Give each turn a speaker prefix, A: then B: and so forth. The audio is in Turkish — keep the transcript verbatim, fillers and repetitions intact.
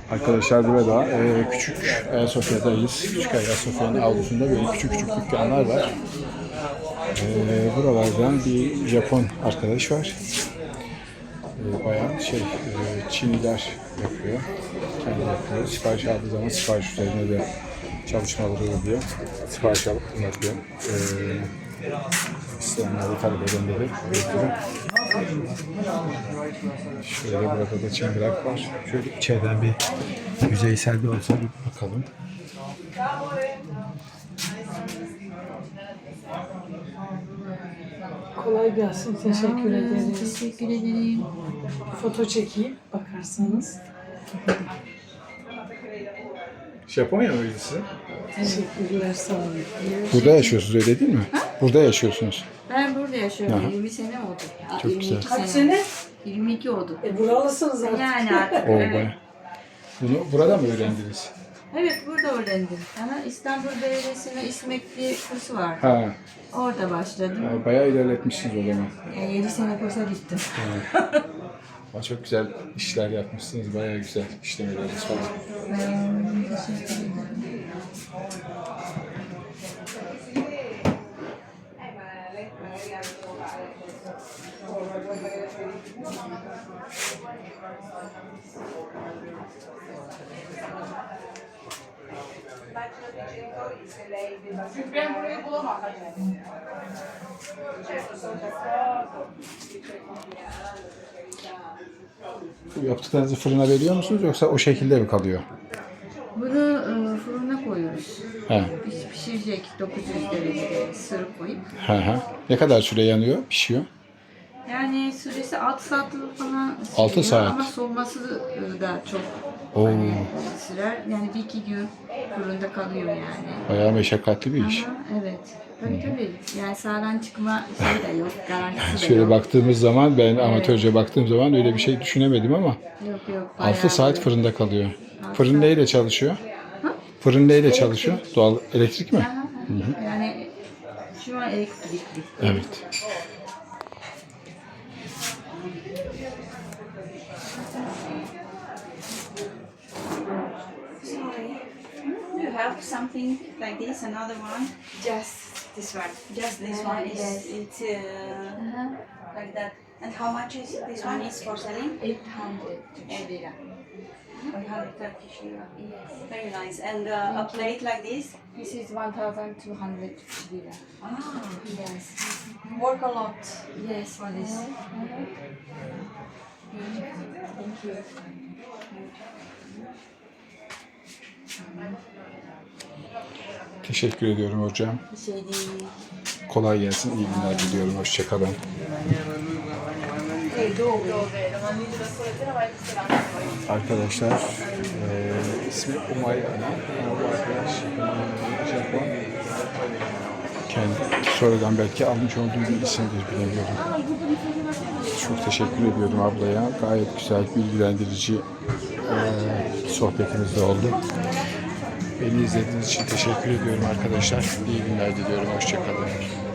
A: Arkadaşlar burada e, küçük Ayasofya'dayız. Küçük Ayasofya'nın avlusunda böyle küçük küçük dükkanlar var. E, buralardan bir Japon arkadaş var. E, bayan şey e, Çiniler yapıyor. Kendi yapıyor. Sipariş aldığı zaman sipariş üzerine de çalışmaları oluyor. Sipariş alıp yapıyor. E, İsteyenleri talep edenleri bekliyorum. Şöyle burada da çıngırak var. Şöyle içeriden bir yüzeysel de olsa bir bakalım.
B: Kolay gelsin. Teşekkür ederiz.
C: Teşekkür ederim.
B: Foto çekeyim bakarsanız.
A: Japonya mıydı sizin?
B: Teşekkürler, sağ olun.
A: Burada yaşıyorsunuz öyle değil mi? Burada yaşıyorsunuz.
C: Ben burada yaşıyorum.
A: Aha.
C: yirmi sene oldu. Aa,
A: Çok
C: yirmi iki
A: güzel.
B: Kaç sene?
C: yirmi iki oldu.
B: E buralısınız artık.
C: Yani artık.
A: O
C: evet.
A: baya. Bunu burada mı öğrendiniz?
C: Evet, burada öğrendim. Ama İstanbul Belediyesi'nin İSMEK'li kursu var.
A: Ha,
C: Orada başladım.
A: ha, bayağı ilerletmişsiniz o zaman.
C: Yani yedi sene kursa gittim.
A: Ama çok güzel işler yapmışsınız. Bayağı güzel işlemeleriniz falan.
C: Hmm, teşekkür ederim.
D: Ben burayı bulamam.
A: Bu yaptıklarınızı fırına veriyor musunuz yoksa o şekilde mi kalıyor?
C: Bunu e, fırına koyuyoruz.
A: Ha.
C: Piş- Pişirecek dokuz yüz derecede sırıp koyup.
A: Ha ha. Ne kadar süre yanıyor, pişiyor?
C: Yani süresi altı saat falan
A: Altı
C: sürüyor
A: saat.
C: ama soğuması da çok
A: Oo.
C: hani, sürer. Yani bir iki gün fırında kalıyor yani.
A: Bayağı meşakkatli bir iş.
C: Ama evet. Tabii tabii. Yani sağdan çıkma şey de yok. Garantisi de
A: Şöyle
C: yok.
A: baktığımız zaman ben amatörce baktığım zaman öyle bir şey düşünemedim ama
C: Yok yok. bayağı
A: altı saat
C: böyle.
A: fırında kalıyor.
C: Altı
A: Fırın
C: saat.
A: neyle çalışıyor? Fırın neyle çalışıyor? Doğal elektrik mi?
C: Aha, aha. Yani şu an elektrikli.
A: Evet.
E: Sorry. Do you have something like this? Another one?
C: Just this one.
E: Just this
C: Uh,
E: one is
C: yes.
E: it's uh, like that. And how much is this one is for selling?
C: eight hundred lira.
E: one hundred Turkish lira.
C: Yes.
E: Very nice. And uh, a plate like this?
C: This is one thousand two hundred lira.
E: Ah,
C: Yes.
E: work a lot.
C: Yes, for this. Thank you.
A: Teşekkür ediyorum hocam.
C: Bir şey değil.
A: Kolay gelsin. İyi günler diliyorum. Hoşçakalın. Arkadaşlar eee ismi Umay Ana. Bu arkadaş eee, Japon. Kendi sonradan belki almış olduğum bir isimdir bilemiyorum. Çok teşekkür ediyorum ablaya. Gayet güzel, bilgilendirici eee sohbetimiz de oldu. Beni izlediğiniz için teşekkür ediyorum arkadaşlar. İyi günler diliyorum. Hoşçakalın.